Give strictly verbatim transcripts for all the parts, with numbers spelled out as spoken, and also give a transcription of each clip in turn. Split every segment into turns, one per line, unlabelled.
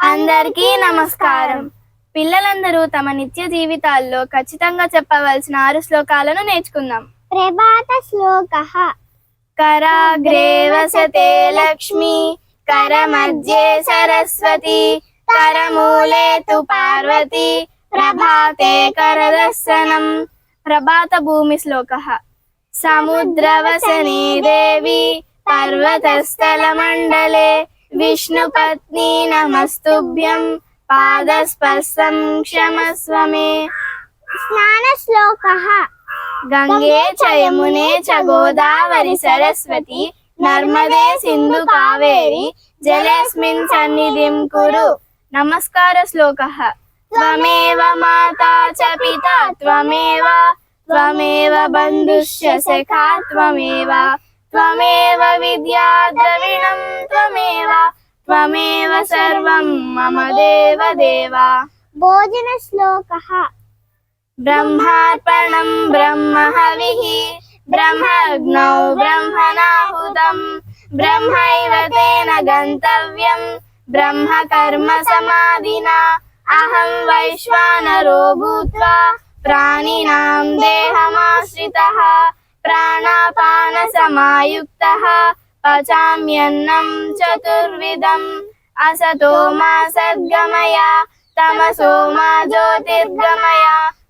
అందరికీ నమస్కారం. పిల్లలందరూ తమ నిత్య జీవితాల్లో ఖచ్చితంగా చెప్పవలసిన ఆరు శ్లోకాలను నేర్చుకుందాం.
ప్రభాత శ్లోకః.
కరాగ్రే వసతే లక్ష్మి, కరమధ్యే సరస్వతి, కరమూలే తు పార్వతి, ప్రభాతే కరదర్శనం. ప్రభాత భూమి శ్లోకః. సముద్రవసనే దేవి, పర్వతస్థల మండలే, విష్ణుపత్ని నమస్తుభ్యం, పాదస్పర్శం క్షమస్వ మే.
స్నాన శ్లోకః.
గంగే చ యమునే చ గోదావరి సరస్వతి, నర్మదే సింధు కావేరి, జలేస్మిన్ సన్నిధిం కురు. నమస్కార శ్లోకః. త్వమేవ మాతా చ పితా త్వమేవ, త్వమేవ బంధుశ్చ సఖా త్వమేవ, త్వమేవ విద్యా ద్రవిణం త్వమేవ, త్వమేవ సర్వం మమ దేవ దేవ.
భోజన శ్లోకః.
బ్రహ్మార్పణం బ్రహ్మ హవిః, బ్రహ్మగ్నౌ బ్రహ్మణాహుతం, బ్రహ్మైవ తేన గంతవ్యం, బ్రహ్మ కర్మ సమాధినా. అహం వైశ్వానరో భూత్వా ప్రాణినాం దేహమాశ్రితః, ప్రాణాపాన సమాయుక్తః, పచామ్యన్నం చతుర్విధం. అసతో మా సద్గమయ, తమసో మా జ్యోతిర్గమయ,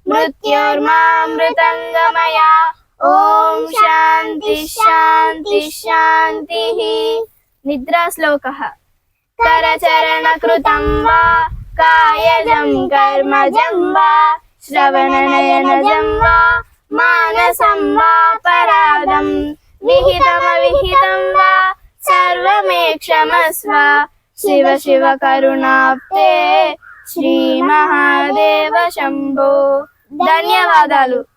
మృత్యోర్మామృతంగమయ. ఓం శాంతి శాంతి శాంతి. నిద్రా శ్లోకః. కరచరణ కృతం వా, కాయజం కర్మజం వా, శ్రవణనయనజం వా, మానసం వా పరాదం, విహితమవిహితం వా సర్వమే క్షమస్వ. శివ శివ కరుణాప్తే, శ్రీ మహాదేవ శంభో. ధన్యవాదాలు.